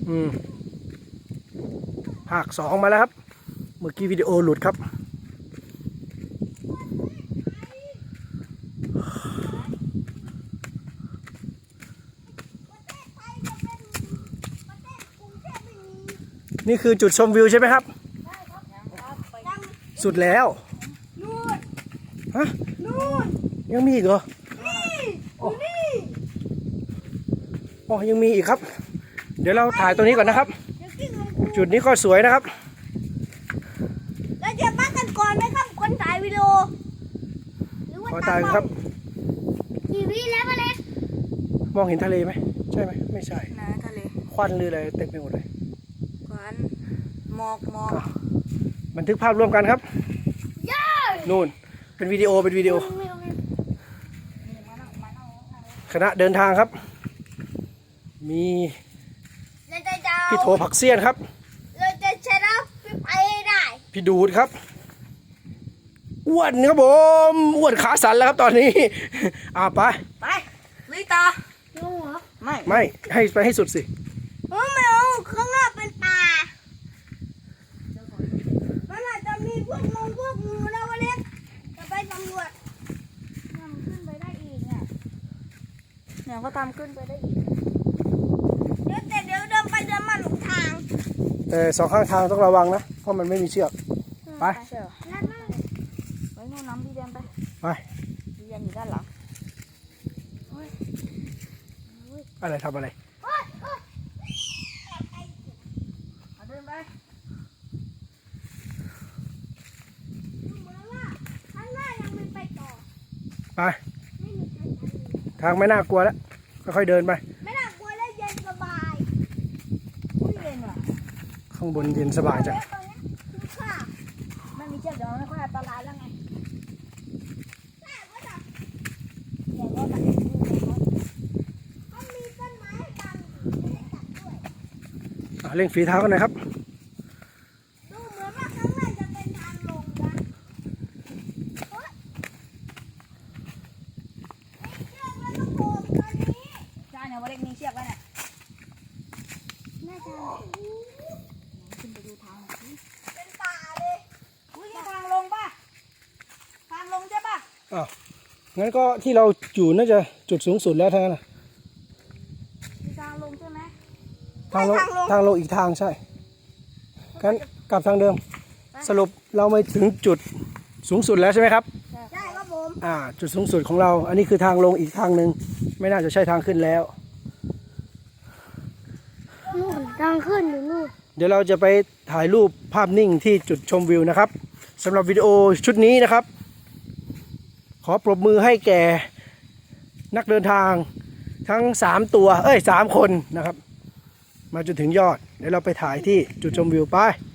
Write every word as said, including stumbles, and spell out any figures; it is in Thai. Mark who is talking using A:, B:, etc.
A: อืมภาคสองมาแล้วครับเมื่อกี้วิดีโอหลุดครับนี่คือจุดชมวิวใช่ไหมครับสุดแล้ว
B: นู่น
A: ฮะ
B: นู่น
A: ยังมีอีกเหรอ
B: นี่อยู่นี่
A: อ๋อยังมีอีกครับเดี๋ยวเราถ่ายตรงนี้ก่อนนะครับจุดนี้ก็สวยนะครับ
B: เราจะมากันก่อนไหมครับคนถ่ายวิดีโอหรือว่า
A: ขอถ่ายครับ
B: กี่วิแล้วมาเล็ก
A: มองเห็นทะเลไหมใช่ไหมไม่ใช่
B: นะทะเล
A: ควันหรืออะไรเต็มไปหมดเลย
B: ควันหมอกหมอก
A: บันทึกภาพร่วมกันครับนู่นเป็นวิดีโอเป็นวิดีโอคณะเดินทางครับมีพี่โถผักเสี้ยนครับ
B: เราจะชนะพี่ไปได้
A: พี่ดูดครับอ้วนครับผมอ้วนขาสั่นแล้วครับตอนนี้อ่าไป
B: ไปลุยต่อลงเหรอไม่
A: ไม่ให้ไปให้สุดสิ
B: ไม่เอาข้างหน้าเป็นป่ามันอาจจะมีพวกงงพวกงูนะวันนี้จะไปสำรวจมันขึ้นไปได้อีกเนี่ยเนี่ยก็ตามขึ้นไปได้อีกเดี๋ยวแต่เดี๋ยวเดินไปเดินมาหลงทาง
A: แต่สองข้างทางต้องระวังนะเพราะมันไม่มีเชือกไป
B: ไว้นู่นน้ำพี่เดินไป
A: ไป
B: พี่เดินอยู่ด้านหลัง
A: อะไรทำอะไร
B: เดินไป
A: ไปทางไม่น่ากลัวแล้วค่อยๆเดินไป
B: ไม่น่ากลัวและเย็นสบายอุ้ยเย็นว่ะ
A: ข้างบนเย็นสบายจัง
B: ไม่มีเชือกเดี๋ยวไม่ค่อยอันตรายแล้วไง
A: เร่งฝีเท้ากันหน่อยครับ
B: ดูเหมือนว่าข้างในจะเป็นทางลงนะเชือกแล้วก็โผล่ตอนนี้ใช่เนี่ยว่าเล็กมีเชือกแล้วเนี่ยน่าจะขึ้นไปดูทางเป็นป่าเลยอุ้ยทางลงป่ะทางลงใช่ป่ะ
A: อ้าวงั้นก็ที่เราอยู่น่าจะจุดสูงสุดแล้วทั้งนั้นนะ
B: มีทางลงใช่ไหม
A: ทางลงทางลงอีกทางใช่งั้นกลับทางเดิมสรุปเราไม่ถึงจุดสูงสุดแล้วใช่ไหมครับ
B: ใช่ครับผม
A: อ่าจุดสูงสุดของเราอันนี้คือทางลงอีกทางหนึ่งไม่น่าจะใช่ทางขึ้นแล้ว
B: นู่นทางขึ้นอยู่นู่น
A: เดี๋ยวเราจะไปถ่ายรูปภาพนิ่งที่จุดชมวิวนะครับสำหรับวิดีโอชุดนี้นะครับขอปรบมือให้แก่นักเดินทางทั้งสามตัวเอ้ยสามคนนะครับมาจนถึงยอดเดี๋ยวเราไปถ่ายที่จุดชมวิวไป